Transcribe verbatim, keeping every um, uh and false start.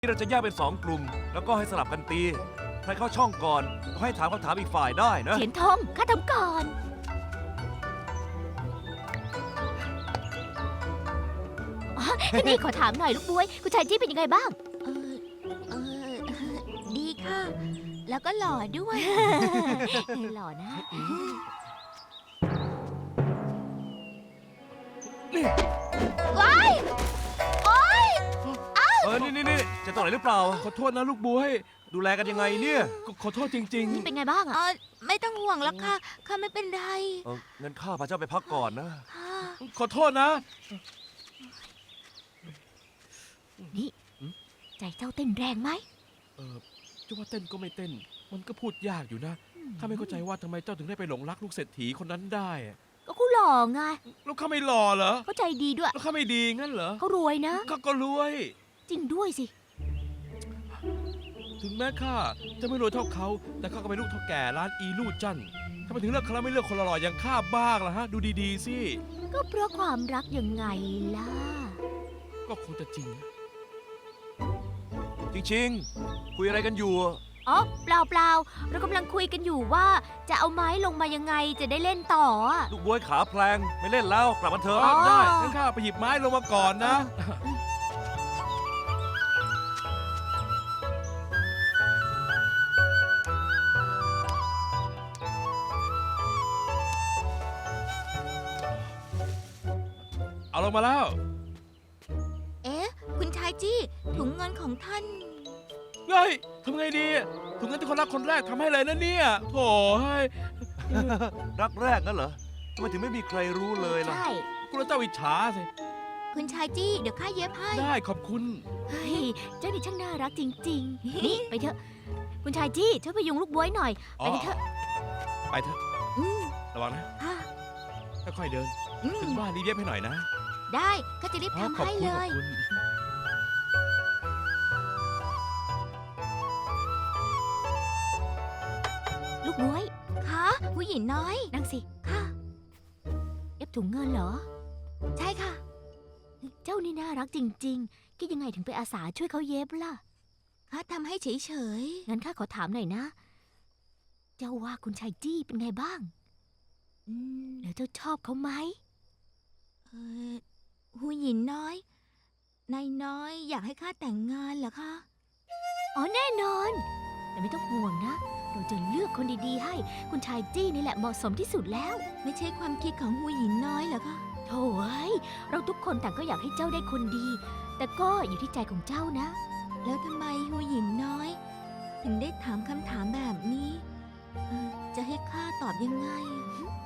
นี่เราจะแยกเป็นสองกลุ่ม แล้วก็ให้สลับกันตี ใครเข้าช่องก่อนก็ให้ถามคำถามอีกฝ่ายได้นะเฉียนทงข้าทำก่อนอ๋อนี่ขอถามหน่อยลูกบวย คุณชายจี้เป็นยังไงบ้างเออเออดีค่ะ แล้วก็หล่อด้วยหล่อนะว้ายโอ๊ยเออ นี่นี่นี่จะตรงไหนหรือเปล่าขอโทษนะลูกบวยดูแลกันยังไงเนี่ยขอขอโทษจริงนี่เป็นไงบ้างเออะอไม่ต้องห่วงแล้วค่ะ ข้าไม่เป็นไรเออเงินข้าพาเจ้าไปพักก่อนนะค่ะๆ ขอโทษนะนี่ ใจเจ้าเต้นแรงไหมเออจะว่าเต้นก็ไม่เต้น มันก็พูดยากอยู่นะข้าไม่เข้าใจว่าทำไมเจ้าถึงได้ไปหลงรักลูกเศรษฐีคนนั้นได้อะก็เขาหล่อไงแล้วข้าไม่หล่อเหรอเขาใจดีด้วยแล้วข้าไม่ดีงั้นเหรอเขารวยนะข้าก็รวยจริงด้วยสิถึงแม้ข้าจะไม่รวยเท่าเขา แต่ข้าก็เป็นลูกเท่าแก่ร้านอีลู่จันทำไมถึงเลือกเขาแล้วไม่เลือกคนหล่อๆอย่างข้าบ้างล่ะฮะ ดูดีๆสิก็เพราะความรักยังไงล่ะก็คงจะจริงนะจริงๆ คุยอะไรกันอยู่อ๋อ เปล่าเปล่าเรากำลังคุยกันอยู่ว่า จะเอาไม้ลงมายังไงจะได้เล่นต่ออะลูกบวยขาแพลงไม่เล่นแล้วกลับมาเถเออะอได้งั้นข้าไปหยิบไม้ลงมาก่อนนะ เอาลงมาแล้วเอ๊ะ คุณชายจี้ ถุงเงินของท่านเฮ้ยทำไงดีถุงเงินที่คนรักคนแรกทำให้เลยนะเนี่ยโถ่เฮ้ยรักแรกนั่นเหรอทำไมถึงไม่มีใครรู้เลยล่ะใช่คุณเจ้าอิจฉาสิคุณชายจี้ เดี๋ยวข้าเย็บให้ได้ขอบคุณเฮ้ย เจ้านี่ช่างน่ารักจริง ๆ นี่ไปเถอะ คุณชายจี้ช่วยพยุงลูกบวยหน่อยอ๋ไปอกันเถอะไปเถอะอืมระวังนะค่ะค่อยๆเดินอืมถึงบ้านรีบเย็บให้หน่อยนะได้ข้าจะรีบอ๋อทำขอบให้คุณเลขอบยคุณลูกบวยคะผู้หญิงน้อยนั่งสิค่ะเอฟถุงเงินเหรอใช่ค่ะเจ้านี่น่ารักจริงๆ คิดยังไงถึงไปอาสาช่วยเขาเย็บล่ะข้าทำให้เฉยงั้นข้าขอถามหน่อยนะ เจ้าว่าคุณชายจี้เป็นไงบ้างๆอืมแล้วเจ้าชอบเขาไหมเออผู้หญิงน้อย นายน้อยอยากให้ข้าแต่งงานเหรอคะอ๋อแน่นอน แต่ไม่ต้องห่วงนะ เราจะเลือกคนดีๆให้ คุณชายจี้นี่แหละเหมาะสมที่สุดแล้วไม่ใช่ความคิดของผู้หญิงน้อยเหรอคะโถ่เอ้ยเราทุกคนต่างก็อยากให้เจ้าได้คนดี แต่ก็อยู่ที่ใจของเจ้านะแล้วทำไมหูหยินน้อย ถึงได้ถามคำถามแบบนี้เอ่อจะให้ข้าตอบยังไง